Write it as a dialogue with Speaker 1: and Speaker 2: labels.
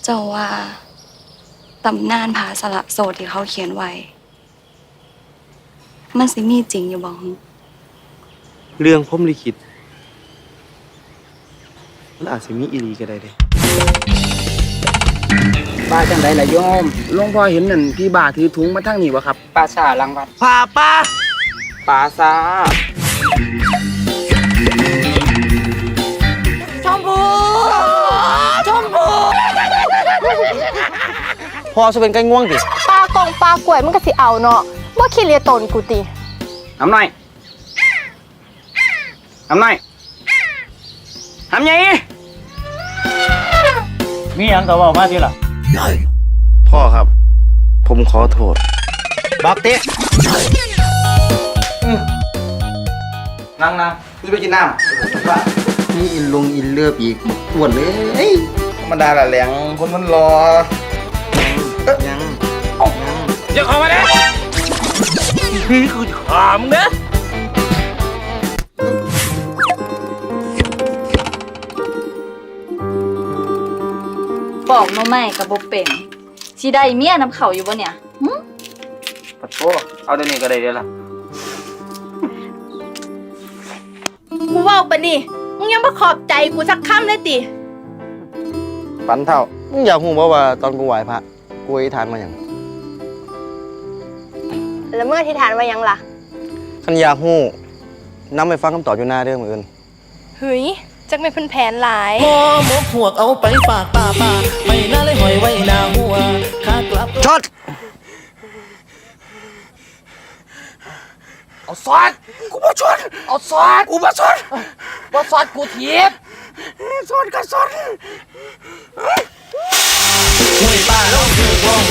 Speaker 1: เจ้าว่าตำนานผาสละโสดที่เขาเขียนไว้มันสิมีจริงอยู่บ่ฮึ
Speaker 2: เรื่องพรหมลิขิตมันอาจสิมีอีหลีก็ได้เด้
Speaker 3: ป้าจังไดล่ะโยมหลวงพ่อเห็นนั่นพี่บ่าถือถุงมาทางนี้บ่ครับป้าซาหลังวัด
Speaker 2: ป่าป้า
Speaker 3: ป้าซา
Speaker 2: พอจะเป็นไก่ง่วงดิ
Speaker 4: ปลากงปลากล้วยมันก็สิเอาเนาะบ่ขี้เลียตนกูติ
Speaker 3: ทำหน่อยทำหน่อยทำไง
Speaker 5: มีหยังก็เว้ามาทีล่ะ
Speaker 2: พ่อครับ ผมขอโทษ
Speaker 3: บักเตะนั่งนี่ไปกินน้ำ
Speaker 6: นี่อินลงอินเลือบอีกปวดเลย
Speaker 3: ธรรมดาละแหลงคนมันรอ
Speaker 6: ยัง
Speaker 5: อย่าเข้ามาเด้พี่คือขามเด้
Speaker 7: บอกมาใหม่กับบ่เป็นสิได้เมียนำเขาอยู่บ่เนี่ยหึ
Speaker 3: ปะโถเอาเดี๋ยวนี้ก็ได้เดี๋ยวละ
Speaker 4: กูเว้าปะนี่มึงยังบ่ขอบใจกูสักคำเลยติ
Speaker 6: ปันเท่ามึงอยากหูบ่ว่าตอนกูไหว้พระกูอธิษฐานมาอย่าง
Speaker 4: แล้วเมื่อที่ฐานว่ายังล่ะ
Speaker 6: คันอยากหูนำไปฟังคำตอบอยู่หน้าเรื่องมืออื่น
Speaker 4: เฮ้ยจักไม่นเพิ่นแผนหลาย
Speaker 8: พอหมกหวกเอาไปฝากป้าไม่น่าเลยหอยไว้หน้าหัวขากลับ
Speaker 6: ช็อต
Speaker 5: เอาซอสกูบ่ชนเอาซอสกูบ่ชนบ่ซอสกูถีบซอสก็ซอส
Speaker 8: ห้วยป้าลงถูกบ่ห